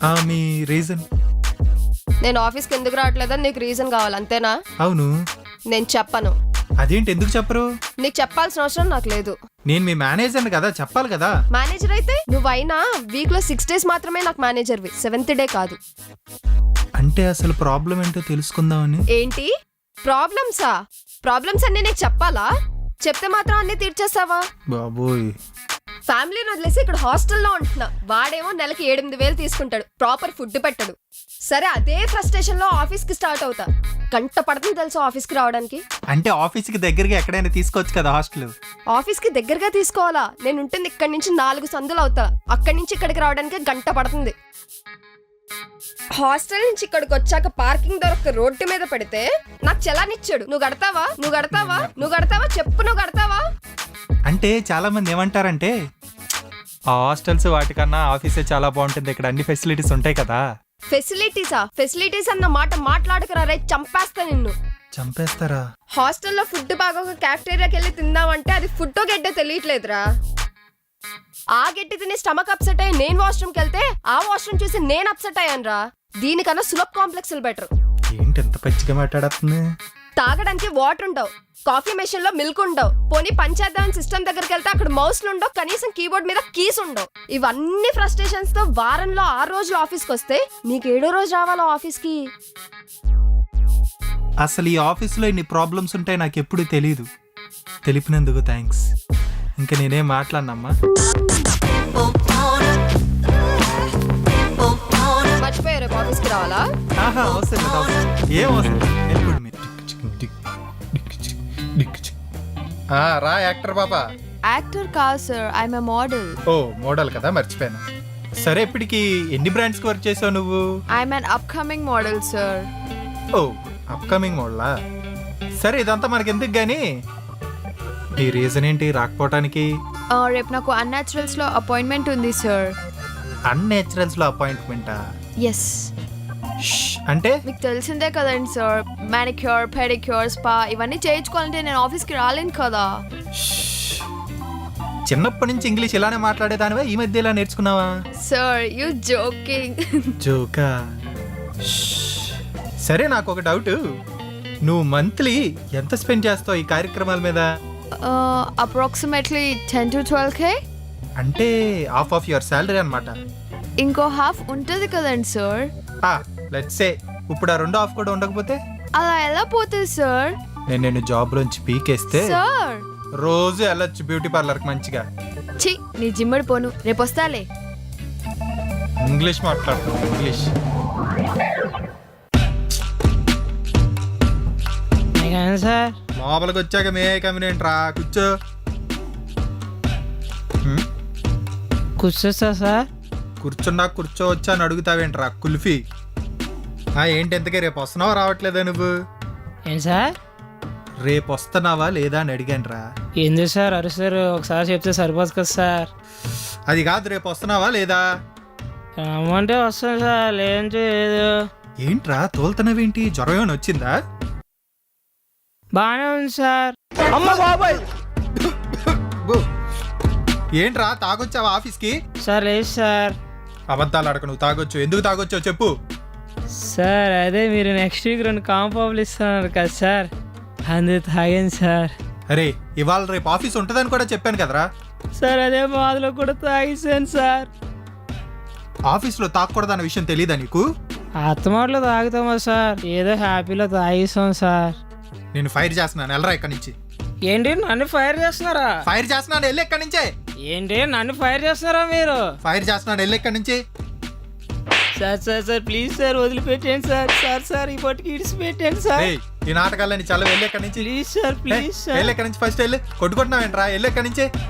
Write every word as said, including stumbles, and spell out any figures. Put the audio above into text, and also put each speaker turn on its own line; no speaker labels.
మీ reason?
నేను ఆఫీస్కి ఎందుకు రావట్లేదని నీకు రీజన్ కావాలి అంతేనా?
అవును.
నేను చెప్పను.
అదేంటి, ఎందుకు చెప్పరు?
నీకు చెప్పాల్సిన అవసరం నాకు లేదు.
నేను మీ మేనేజర్ కదా, చెప్పాలి కదా.
మేనేజర్ అయితే నువ్వైనా వీక్ లో సిక్స్ డేస్ మాత్రమే నాకు మేనేజర్వి, సెవెంత్ డే కాదు.
అంటే అసలు ప్రాబ్లం ఏంటో తెలుసుకుందామని.
ఏంటి ప్రాబ్లమ్సా? ప్రాబ్లమ్స్ అన్ని నీకు చెప్పాలా? చెప్తే మాత్రం అన్ని తీర్చేస్తావా?
బాబోయ్,
ఫ్యామిలీని వదిలేసి ఇక్కడ హాస్టల్లో ఉంటున్నా. వాడేమో నెలకి ఎనిమిది వేలు తీసుకుంటాడు, ప్రాపర్ ఫుడ్ పెట్టడు. సరే అదే ఫ్రస్ట్రేషన్ లో ఆఫీస్ కి స్టార్ట్ అవుతా. గంట పడుతుంది తెలుసు ఆఫీస్ కి రావడానికి.
అంటే ఆఫీస్ కి దగ్గరగా ఎక్కడైనా తీసుకోవచ్చు కదా హాస్టల్.
ఆఫీస్ కి దగ్గరగా తీసుకోవాలా? నేను ఉంటుంది ఇక్కడి నుంచి నాలుగు సందులు అవుతా. అక్కడి నుంచి ఇక్కడికి రావడానికి గంట పడుతుంది. హాస్టల్ నుంచి ఇక్కడికి వచ్చాక పార్కింగ్ దొరక్క రోడ్డు మీద పెడితే నాకు చలానిచ్చాడు. నువ్వు కడతావా? నువ్వు కడతావా? నువ్వు కడతావా? చెప్పు, నువ్వు కడతావా?
అంటే చాలా మంది ఏమంటారంటే ఆ హాస్టల్స్ వాటికన్నా ఆఫీసే చాలా బాగుంటుంది, ఇక్కడ అన్ని ఫెసిలిటీస్ ఉంటాయి కదా.
ఫెసిలిటీసా? ఫెసిలిటీస్ అన్న మాట మాట్లాడకరా రే, చంపేస్తా నిన్ను.
చంపేస్తారా? హాస్టల్లో
ఫుడ్ బాగా ఒక క్యాఫ్టేరియాకి వెళ్ళి తిందామంటే అది ఫుడ్ గడ్డ తెలియట్లేదురా. ఆ గడ్డి తిని స్టమక్ అప్సెట్ అయ్యి నేను వాష్రూమ్కి వెళ్తే ఆ వాష్రూమ్ చూసి నేను అప్సెట్ అయ్యాను రా. దీనికన్నా సులభ్ కాంప్లెక్స్ బెటర్.
ఏంటి ఎంత పచ్చిగా మాట్లాడుతుంది?
తాగడానికి వాటర్ ఉండవు, కాఫీ మెషిన్ లో మిల్క్ ఉండవు, పోనీ పంచేద్దామని సిస్టమ్ దగ్గరికి వెళ్తే అక్కడ మౌస్లు ఉండవు, కనీసం కీబోర్డ్ మీద కీస్ ఉండవు. ఇవన్నీ ఫ్రస్ట్రేషన్స్ తో వారంలో ఆరు రోజులు ఆఫీస్కి వస్తే నీకు ఏడో రోజు రావాలా ఆఫీస్కి?
అసలు ఈ ఆఫీస్లో ఇన్ని ప్రాబ్లమ్స్ ఉంటాయి నాకు ఎప్పుడు తెలీదు. తెలిపినందుకు థ్యాంక్స్. ఇంకా నేనేం మాట్లాడినమ్మా.
మర్చిపోయారు రేపు ఆఫీస్కి రావాలా?
ఆహా అవసరం లేదు, అవసరం ఏం అవసరం. వెళ్ళిపోండి మీరు. రా యాక్టర్ బాబా.
యాక్టర్ కాదు సార్, ఐఎమ్ ఎ మోడల్.
ఓ మోడల్ కదా, మర్చిపోయాను. సరే ఇప్పటికి ఎన్ని బ్రాండ్స్ కి వర్క్ చేసావు నువ్వు?
I'm an upcoming model sir.
ఓ అప్కమింగ్ మోడలా? సరే ఇదంతా మనకి ఎందుకు గానీ ఈ రీజన్ ఏంటి రాకపోవటానికి?
రేపు నాకు అన్యాచురల్స్ లో అపాయింట్మెంట్ ఉంది సార్.
అన్నేచురల్స్ లో అపాయింట్మెంటా?
ఎస్.
అంటే
మీకు తెలిసిందే కదండి సార్, మానిక్యూర్, పెడిక్యూర్, స్పా ఇవన్నీ చేయించుకోవాలంటే నేను ఆఫీస్కి రాలేను కదా.
చిన్నప్పటి నుంచి ఇంగ్లీష్ ఇలానే మాట్లాడేదానివా, ఈ మధ్య ఇలా నేర్చుకున్నావా?
Sir you joking.
జోకా? సరే నాకు ఒక డౌట్, నువ్వు మంత్లీ ఎంత స్పెండ్ చేస్తావు ఈ కార్యక్రమాల మీద?
Approximately ten to twelve K.
అంటే హాఫ్ ఆఫ్ యువర్ శాలరీ అన్నమాట.
ఇంకో హాఫ్ ఉంటుంది కదండి సార్.
లెట్స్ సే ఇప్పుడు ఆ రెండు హాఫ్ కూడా ఉండకపోతే?
అలా ఎలా పోతుంది సార్?
నేను నేను జాబ్ లోంచి పీకేస్తే
సార్
రోజు వెళ్ళొచ్చు బ్యూటీ పార్లర్ కి మంచిగా.
ఛీ, నీ జిమ్మడి పోను, రేపు వస్తాలే.
ఇంగ్లీష్ మాట్లాడుతున్నావు, ఇంగ్లీష్.
సార్
లోపలికి వచ్చాక మే కమినేంట్ రా, కూర్చో.
కూర్చోస్తా సార్.
కూర్చున్నా కూర్చోవచ్చా అని అడుగుతావేంట్రా కుల్ఫీ? ఏంటి ఎంతకే రేపు వస్తున్నావా రావట్లేదా నువ్వు?
ఏం సార్?
రేపు వస్తున్నావా లేదా అని అడిగాను రా.
ఎందుకు సార్ అరుస్తారు? ఒకసారి చెప్తే సరిపోదు కదా సార్.
అది కాదు, రేపు వస్తున్నావా లేదా?
రమ్మంటే వస్తాను సార్, లేదంటే లేదు.
ఏంట్రా తోలుతున్నావేంటి, జ్వరం ఏమైనా వచ్చిందా?
బాగానే ఉంది సార్.
అమ్మ బాబాయ్, ఏంట్రా తాగొచ్చావా ఆఫీస్కి?
సార్ లేదు సార్.
అబద్ధాలు అడక, నువ్వు తాగొచ్చు. ఎందుకు తాగొచ్చో చెప్పు.
సార్ అదే మీరు నెక్స్ట్ వీక్ రెండు కాంపాబులు ఇస్తున్నారు కదా సార్, అందుకు తాగాను సార్.
అరే ఇవాళ రేపు ఆఫీస్ ఉంటుందని కూడా చెప్పాను కదరా.
సార్ అదే బాధలో కూడా తాగేసాను సార్.
ఆఫీస్లో తాగకూడదన్న విషయం తెలీదా నీకు?
అత్తమాటలో తాగుతామా సార్, ఏదో హ్యాపీలో తాగేసాం సార్.
నేను ఫైర్ చేస్తున్నాను, వెళ్ళరా ఇక్కడి నుంచి.
ఏంటి నన్ను ఫైర్ చేస్తున్నారా?
ఫైర్ చేస్తున్నాను, వెళ్ళి ఇక్కడి నుంచే.
ఏంటి నన్ను ఫైర్ చేస్తున్నారా మీరు?
ఫైర్ చేస్తున్నాను, వెళ్ళి ఇక్కడి నుంచి.
Sir sir sir please sir వదిలిపెట్టండి సార్. సార్ సార్ ఈ పట్టుకి ఇడిచి పెట్టండి సార్.
ఈ నాటకాలని చాలా, వెళ్ళి ఇక్కడి నుంచి
ప్లీజ్ సార్, ప్లీజ్ సార్.
వెళ్ళి ఇక్కడి నుంచి, ఫస్ట్ వెళ్ళి కొట్టుకుంటున్నావేంట్రా, వెళ్ళి ఇక్కడి నుంచి.